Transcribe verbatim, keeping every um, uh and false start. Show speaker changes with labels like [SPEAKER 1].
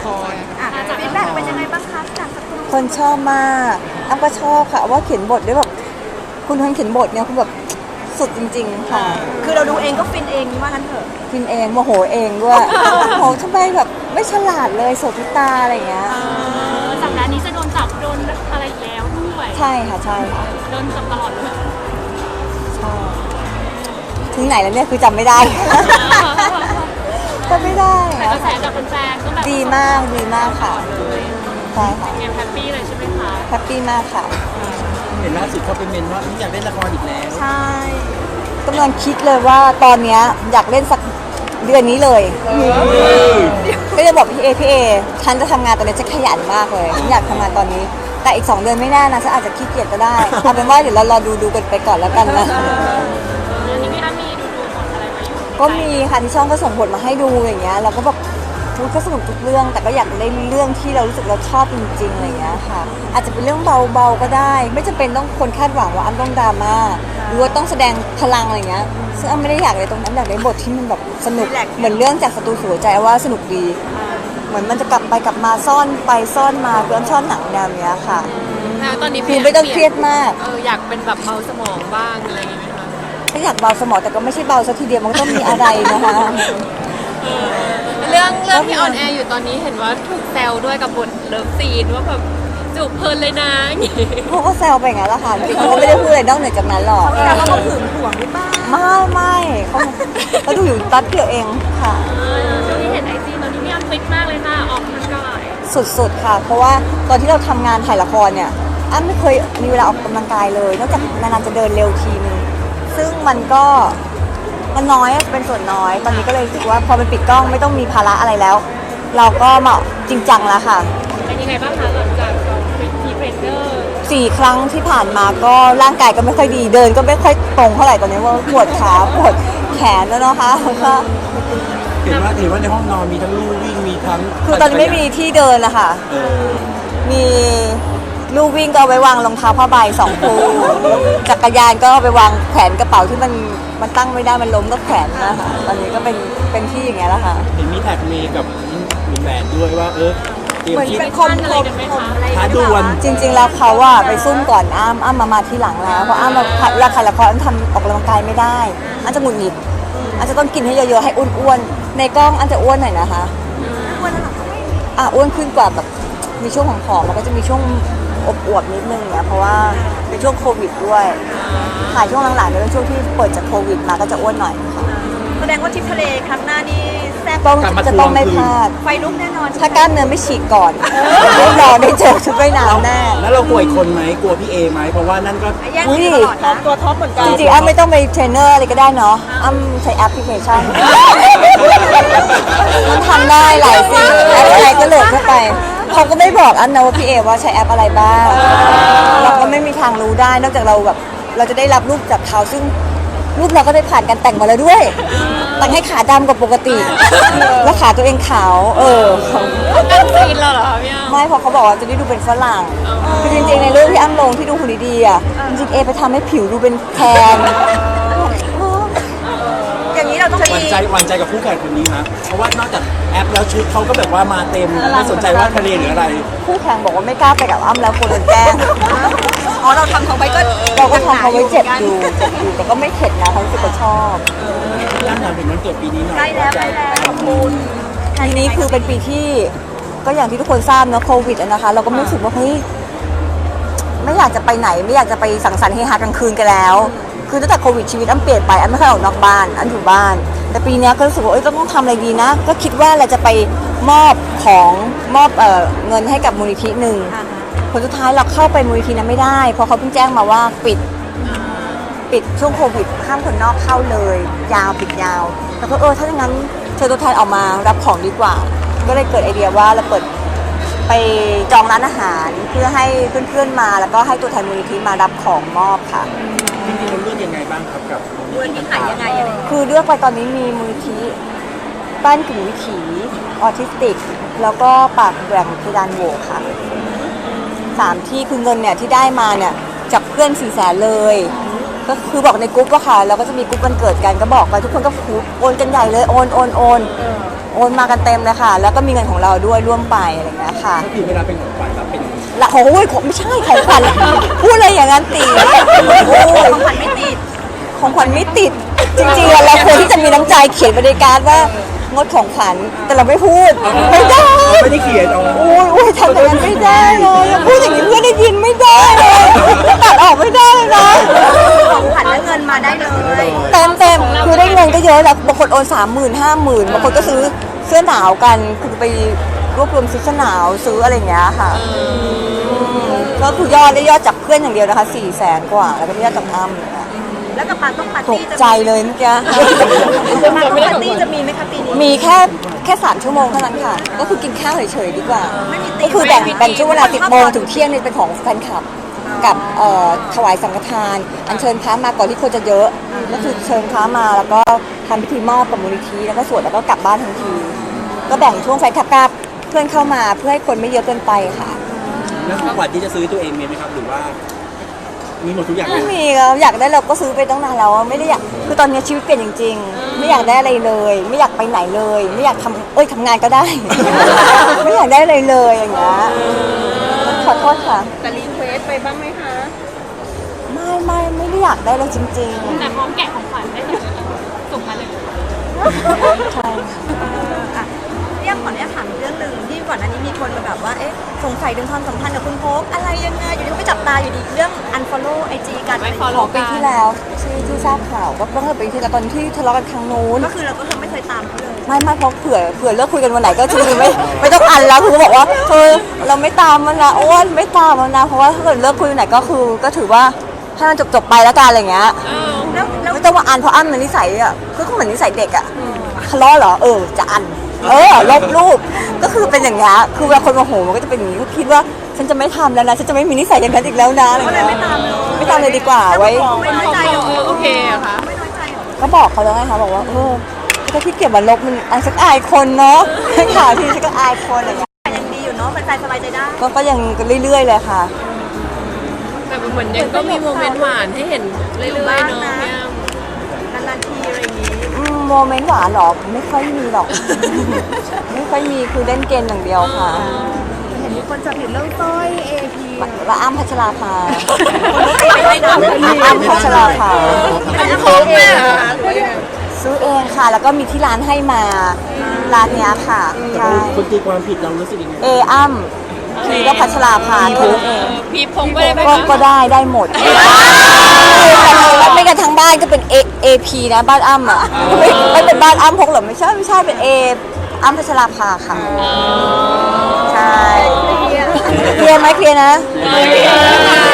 [SPEAKER 1] ร
[SPEAKER 2] อ่ะฟีดแบ็กเป็นยังไงบ้างคะจากสักครู่
[SPEAKER 3] คนชอบมากอ้ำก็ชอบค่ะว่าเขียนบทด้วยแบบคุณคนเขียนบทเนี่ยคุณแบบสุดจริงๆค่ะ
[SPEAKER 2] คือเราดูเองก็ฟินเองว่างั้นเถอะ
[SPEAKER 3] พิมพ์เองโมโหเองด้วยโหทำไมแบบไม่ฉลาดเลยโสพิตาอะไรอย่างเงี้ย
[SPEAKER 4] สัปดาห์นี้จะโดนจับโดนอะไรอีกแล้วด้วย
[SPEAKER 3] ใช่ค่ะใช่ค่ะ
[SPEAKER 4] โดนจับตลอดเลย
[SPEAKER 3] ใช่ถึงไหนแล้วเนี่ยคือจำไม่ได้ จำไม่ได้
[SPEAKER 4] แต่กระแสจากแฟนๆก็แบบ
[SPEAKER 3] ดีมากดีมากค่ะใช่ค่ะ
[SPEAKER 4] ยังแฮปปี้เลยใช่ไหมคะ
[SPEAKER 3] แฮปปี้มากค่ะ
[SPEAKER 1] เห็นล่าสุดเขาเป็นเมนว่าอยากเล่นละครอีกแล้ว
[SPEAKER 2] ใช่
[SPEAKER 3] กำลังคิดเลยว่าตอนเนี้ยอยากเล่นสักเดือนนี้เลยก็จะบอกพี่เอพี่เอฉันจะทำงานตอนนี้จะขยันมากเลยฉันอยากทำงานตอนนี้ แต่อีกสองเดือนไม่แน่นะฉันอาจจะขี้เกียจก็ได้เอาเป็นว่าเดี๋ยวเรารอดูดูกันไปก่อนแล้วกันนะ
[SPEAKER 4] อันนี้พี่อ้ำมีดูดูบทอะไรมาอยู่
[SPEAKER 3] ก็มีค่ะที่ช่องก็ส่งบทมาให้ดูอย่างเงี้ยเราก็แบบทุกก็สนุกทุกเรื่อง แต่ก็อยากเล่นเรื่องที่เรารู้สึกเราชอบจริงๆอะไรอย่างเงี้ยค่ะ อาจจะเป็นเรื่องเบาๆก็ได้ ไม่จำเป็นต้องคนคาดหวังว่าอ้ำต้องดราม่าหรือว่าต้องแสดงพลังอะไรเงี้ยซึ่งอ้ำไม่ได้อยากเลยตรงนั้นอยากได้บทที่มันแบบสนุกเหมือนเรื่องจากศัตรูสู่หัวใจว่าสนุกดี เหมือนมันจะกลับไปกลับมาซ่อนไปซ่อนมาคืออ้ำชอบหนังแนวเนี้ยค่ะ
[SPEAKER 4] แล้วตอนนี้
[SPEAKER 3] คือไม่ต้องเครียดมาก
[SPEAKER 4] เอออยากเป็นแบบเบาสมองบ้างอะไรอย่างเงี้ยไหมคะ
[SPEAKER 3] ถ้าอยากเบาสมองแต่ก็ไม่ใช่เบาซะทีเดียวมันก็ต้องมีอะไรนะคะ
[SPEAKER 4] เรื่องเรื่องที่ออนแอร์อยู่ตอนนี้เห็นว่าถูกแซวด้วยกับบทเลิฟซีนว่าแบบจูบเพลินเลยนะอย่างงี้
[SPEAKER 3] เขาก็แซวไปอย่างนั้นแหละค่ะจริงๆเขาก็ไม่ได้พูดอะไรนอกเหนือจากนั้นหรอก
[SPEAKER 2] แต่ว่าเขาหึงหวงหรือเปล่า
[SPEAKER 3] ไม่ไม่เขาเขาดูอยู่แป๊บเดียวเองค่ะ
[SPEAKER 4] ช่วงนี้เห็นไอจีตอนนี้พี่อ้ำฟิตมากเลยค่ะออกกำลังกาย
[SPEAKER 3] สุดๆค่ะ เพราะว่าตอนที่เราทำงานถ่ายละครเนี่ยอ้ำไม่เคยมีเวลาออกกำลังกายเลยนอกจากนานๆจะเดินเร็วทีนึงซึ่งมันก็มันน้อยอะเป็นส่วนน้อย ตอนนี้ก็เลยรู้สึกว่าพอมันปิดกล้องไม่ต้องมีภาระอะไรแล้ว เราก็มาจริงจังแล้วค่ะ
[SPEAKER 4] เป็นยังไงบ้างคะหลังจากเราเป็นทีเทรนเนอร์
[SPEAKER 3] สี่ครั้งที่ผ่านมาก็ร่างกายก็ไม่ค่อยดีเดินก็ไม่ค่อยตรงเท่าไหร่ตอนนี้ว่าปวดขาปวดแขนแล้วนะคะแล้วก็
[SPEAKER 1] เห็นว่าเห็นว่าในห้องนอนมีทั้งลู่วิ่งมีทั้ง
[SPEAKER 3] คือตอนนี้ไม่มีที่เดินนะคะ
[SPEAKER 1] เออ
[SPEAKER 3] มีลูกวิ่งก็เอาไว้วางรองเท้าผ้าใบสองคู่จักรยานก็เอาไปวางแขวนกระเป๋าที่มันมันตั้งไม่ได้มันล้มก็แขวนนะคะตอนนี้ก็เป็นเป็นที่อย่างเงี้ยแล้วค่ะ
[SPEAKER 1] เห็นมีแท็กเมย์กับมีแบนด้วยว่าเออเตรียม
[SPEAKER 2] เหมือน
[SPEAKER 1] คิด
[SPEAKER 2] เป็นคมคมคมอะไร
[SPEAKER 1] ท้าดวล
[SPEAKER 3] จริงๆแล้วเขาอะไปซุ่มก่อนอ้ำอ้ำมามาที่หลังแล้วเพราะอ้ำมาเวลาถ่ายละครอ้ำทำออกกำลังกายไม่ได้อ้ำจะหงุดหงิดอ้ำจะต้องกินให้เยอะๆให้อ้วนๆในกล้องอ้ำจะอ้วนหน่อยนะคะ
[SPEAKER 2] อ้วนแล้วเหรอ
[SPEAKER 3] อ่ะอ้วนขึ้นกว่าแบบมีช่วงของผอมๆแล้วก็จะมีช่วงอวบๆนิดนึงเนี่ยเพราะว่าเป็นช่วงโควิดด้วยถ่ายช่วงหลังๆเนี่ยเป็นช่วงที่เปิดจากโควิดมาก็จะอ้วนหน่อยค่ะ
[SPEAKER 2] แสดงว่าทริปทะเลครั้งหน้านี่แซ่บ
[SPEAKER 3] ต้องจะต้องไม่พลาด
[SPEAKER 2] ไฟลุกแน่นอน
[SPEAKER 3] ถ้ากล้ามเนื้อไม่ฉีกก่อนได้รอได้เจอชุดว่ายน้ำแน่
[SPEAKER 1] แล้วเรากลัวอีกคนไหมกลัวพี่เอไหมเพราะว่านั่นก็
[SPEAKER 2] แย่งกันตลอดนะตัวท็อปเหมือนกัน
[SPEAKER 3] จริงๆอ้ำไม่ต้องไปเทรนเนอร์อะไรก็ได้เนาะอ้ำใช้แอปพลิเคชันมันทำได้หลายสิ่งแอปอะไรก็โหลดเข้าไปเขาก็ไม่บอกอ้ำนะว่าพี่เอว่าใช้แอปอะไรบ้างเราก็ไม่มีทางรู้ได้นอกจากเราแบบเราจะได้รับรูปจากเขาซึ่งรูปเราก็ได้ผ่านการแต่งมาแล้วด้วยแต่งให้ขาดำกว่าปกติ แล้วขาตัวเองขาว เออ
[SPEAKER 4] กันซีนเราเหรอคะพี่อ้ำ
[SPEAKER 3] ไม่เพราะเขาบอกว่าจะได้ดูเป็นฝรั่งคือจริงๆในรูปที่อ้ำลงที่ดูหุ่นดีๆอ่ะจริงๆเอไปทำให้ผิวดูเป็นแทน
[SPEAKER 2] อย่างนี้เราต้อง
[SPEAKER 1] หวั่นใจหวั่นใจกับคู่แข่งคนนี้นะเพราะว่านอกจากแอปแล้วชุดเขาก็แบบว่ามาเต็มไม่สนใจว่าทะเลหรืออะไร
[SPEAKER 3] คู่แข่งบอกว่าไม่กล้าไปกับอ้ำแล้วกลัวโดนแกล้ง
[SPEAKER 2] อ๋อเราทำเขาไว้ก็
[SPEAKER 3] เราก็ทำเขาไว้เจ็บอยู่เจ็บอยู่แต่ก็ไม่เข็ดนะเขารู้สึกว่าชอบ
[SPEAKER 1] ย่านถามถึงวันเกิดปีนี้หน่อย
[SPEAKER 2] ใกล้แล้วใกล้แล้วขอบคุณ
[SPEAKER 3] ทีนี้คือเป็นปีที่ก็อย่างที่ทุกคนทราบเนอะโควิดอะนะคะ เราก็ไม่รู้สึกว่าเฮ้ยไม่อยากจะไปไหนไม่อยากจะไปสังสรรค์เฮฮากลางคืนกันแล้ว คือตั้งแต่โควิดชีวิตอ้ำเปลี่ยนไปอ้ำไม่ค่อยออกนอกบ้านอ้ำอยู่บ้าน แต่ปีนี้ก็รู้สึกว่าเอ้ยต้องทำอะไรดีนะ ก็คิดว่าเราจะไปมอบของมอบเอ่อเงินให้กับมูลนิธิหนึ่งผลสุดท้ายเราเข้าไปมูลนิธินั้นไม่ได้เพราะเขาเพิ่งแจ้งมาว่าปิดปิดช่วงโควิดห้ามคนนอกเข้าเลย ยาวปิดยาว แล้วก็เออถ้าอย่างนั้นเชิญตัวแทนออกมารับของดีกว่า ก็เลยเกิดไอเดียว่าเราเปิดไปจองร้านอาหารเพื่อให้เพื่อนๆมาแล้วก็ให้ตัวแทนมูลนิธิมารับของมอบค่ะ
[SPEAKER 1] จริงๆเราเลือกยังไงบ้างครับกับ
[SPEAKER 2] มูลนิธิไหนยังไงอะไร
[SPEAKER 3] คือเลือกไปตอนนี้มีมูลนิธิบ้านกึ่งวิถีออทิสติก แล้วก็ปากแหว่งเพดานโหวค่ะสามที่คือเงินเนี่ยที่ได้มาเนี่ยจากเพื่อนสี่แสนเลยก็คือบอกในกรุ๊ปว่าค่ะแล้วก็จะมีกรุ๊ปวันเกิดกันก็บอกไปทุกคนก็โอนกันใหญ่เลยโอนโอนโอนโอนมากันเต็มเลยค่ะ แล้วก็มีเงินของเราด้วยร่วมไปอะไรอย่างเงี้ยค่ะ
[SPEAKER 1] ก็คือเวลาเป็นของขวัญแบบเป็น
[SPEAKER 3] ละโอ้ยของไม่ใช่ของขวัญพูดอะไรอย่างนั้นตีโอ้ย
[SPEAKER 2] ของขวัญไม่ติด
[SPEAKER 3] ของขวัญไม่ติดจริงๆอะเราควรที่จะมีน้ำใจเขียนบริการว่างดของขวัญแต่เราไม่พูดไม่ได้
[SPEAKER 1] ไม่ได้เขียนเอา
[SPEAKER 3] โอ้ยโอ้ยทำอย่างนั้นไม่ได้เลยพูดอย่างนี้เพื่อนได้ยินไม่ได้เลยตัดออกไม่ได้เลยนะ
[SPEAKER 2] ของขวัญและเงินมาได้เลย
[SPEAKER 3] เต็มเต็มคือได้เงินก็เยอะแล้วบางคนโอนสามหมื่นห้าหมื่นบางคนก็ซื้อเสื้อหนาวกันคือไปรวบรวมซื้อเสื้อหนาวซื้ออะไรอย่างเงี้ยค่ะมก็คือยอดได้ยอดจากเพื่อนอย่างเดียวนะคะสี่แสนกว่าแล้วก็ได้ยอดจากอ้ำเนี่ย
[SPEAKER 2] แล้วกับปาต้องปาร์
[SPEAKER 3] ต
[SPEAKER 2] ตี้
[SPEAKER 3] ก
[SPEAKER 2] จะ
[SPEAKER 3] ใจเลยเมื่อกี้
[SPEAKER 2] ปาต้องปาร์ตี้จะมีไหมคะปีนี้
[SPEAKER 3] มีแค่แค่สามชั่วโมงเท่านั้นค่ะ ก็คือกินข้าวเฉยๆดีกว่า
[SPEAKER 2] ไม่มีตี
[SPEAKER 3] ก็คือแบ่งแบ่งช่วงเวลาสิบโมงถึงเที่ยงนี่เป็นของแฟนคลับ กับเอ่อถวายสังฆทาน อัญเชิญพระมาก่อนที่คนจะเยอะก็คือเชิญพระมาแล้วก็ทำพิธีมอบกับมูลนิธิแล้วก็สวดแล้วก็กลับบ้านทันที ก็แบ่งช่วงแฟนคลับกับเพื่อนเข้ามาเพื่อให้คนไม่เยอะเกินไปค่ะ
[SPEAKER 1] แล้วของขวัญที่จะซื้อตัวเองมีไหมครับหรือว่ามีหมดทุกอย่างเล
[SPEAKER 3] ไม่
[SPEAKER 1] ย
[SPEAKER 3] มีครับอยากได้เราก็ซื้อไปตั้งนานแล้วอะไม่ได้อยากคือตอนนี้ชีวิตเปลี่ยนจริง ๆ ไม่อยากได้อะไรเลย ไม่อยากไปไหนเลย ไม่อยากทำเอ้ยทำงานก็ได้ ไม่อยากได้อะไรเลยอย่างเงี้ยขอโทษค่ะ
[SPEAKER 2] แต่รีเควสไปบ้างไหมคะ
[SPEAKER 3] ไม่ไม่ไม่ได้อยากได้เลยจริง
[SPEAKER 4] แต่พร้อมแกะของขวัญได้เลยส่งมาเลย
[SPEAKER 3] ๆ ใช่ค่ะ
[SPEAKER 2] อ่ะเรียกขออนุญาตถามอีกเรื่องหนึ่งที่ก่อนหน้านี้มีคนมาแบบว่าเอ๊ะสงสัยถึงความสัมพันธ์กับคุณโพกอะไรยังไงอยู่ดีก็ไปจับตาอยู่ดีเรื่อง unfollow ไอจีกัน
[SPEAKER 4] ไม่
[SPEAKER 3] ข
[SPEAKER 4] follow
[SPEAKER 3] อปีที่แล้วที่ที่ทราบข่าวก็ต้องเป็นปีที่แล้วตอนที่ทะเลาะกันครั้งนู้น
[SPEAKER 2] ก็คือเราก็คือไม่เคยตามเขาเลย
[SPEAKER 3] ไม่ไม่เพราะเผื่อเผื่อเลิกคุยกันวันไหนก็คือไม่ไม่ต้องอันแล้วคือบอกว่าเธอเราไม่ตามมันนะอ้วนไม่ตามมันนะเพราะว่าถ้าเกิดเลิกคุยวันไหนก็คือก็ถือว่าให้มันจบจบๆไปแล้วกันอะไรอย่างเงี้ย
[SPEAKER 2] แล้วแล้ว
[SPEAKER 3] ไม่ต้องมาอันเพราะอันมันนิสัยอ่ะคือก็เหมือนนิสัยเด็กอ่ะทะเลาะเหรอเออจะอันเออลบรูปก็คือเป็นอย่างเงี้ยคือเวลาคนโมโหมันก็จะเป็นอย่างนี้ก็คิดว่าฉันจะไม่ทำแล้วนะฉันจะไม่มีนิสัยอย่างนั้นอีกแล้วนะอะไร
[SPEAKER 2] ก็เลย
[SPEAKER 3] เงี้ย
[SPEAKER 2] ไม่ตามเลย
[SPEAKER 3] ไม่ตามเลยดีกว่าไว้
[SPEAKER 2] ไม่น้อยใจเหรอ
[SPEAKER 4] เออโอเคอะค่ะ
[SPEAKER 2] ไม่น้อยใจเหรอ
[SPEAKER 3] ก็บอกเขาแล้วไงคะบอกว่าเออถ้าพี่เก็บมาลบมันอันสักอายคนเนาะข่าวทีฉันก็อายคนอะไรเงี้ย
[SPEAKER 2] ยังดีอยู่เนาะแฟนๆสบายใจได้
[SPEAKER 3] ก็ก็ยังเรื่อยๆเลยค่ะ
[SPEAKER 4] แต่เหมือนยังก็มีโมเมนต์หวานให้เห็นเรื่อยๆเนาะพี่อ้ำ
[SPEAKER 2] นานๆทีอะไรอย่างนี้
[SPEAKER 3] อืมโมเมนต์หวานหรอไม่ค่อยมีหรอก ไม่ค่อยมีคือเล่นเกมอย่างเดียวค่ะ
[SPEAKER 2] เห็นมีคนจับผิดเรื่องสร้อย เอ พี
[SPEAKER 3] ว่าอ้ำพัชราภา
[SPEAKER 2] ไม่ได้นะ
[SPEAKER 3] อ้ำพัชราภา
[SPEAKER 2] ไม่ได้ของแม่เหรอคะ
[SPEAKER 3] ซื้อเองค่ะ แล้วก็มีที่ร้านให้มาร้านเนี้ยค่ะ
[SPEAKER 1] แต่
[SPEAKER 3] ใช่
[SPEAKER 1] คนตีความผิดเรารู้สึกยังไง
[SPEAKER 3] เออ้ำพีก็พัชราภาทุก
[SPEAKER 4] พีพงก็ได้ไหม
[SPEAKER 3] ก็
[SPEAKER 4] คะ
[SPEAKER 3] ก็ได้ได้หมดไม่กันทั้งบ้านก็เป็นเอเอพีนะบ้านอ้ำอ่ะไม่ไม่เป็นบ้านอ้ำพกหรอไม่ใช่ไม่ใช่เป็นเออ้ำพัชราภาค่ะใช่เคลียร์ไหมเคลียร์นะ
[SPEAKER 4] โอเคค่ะ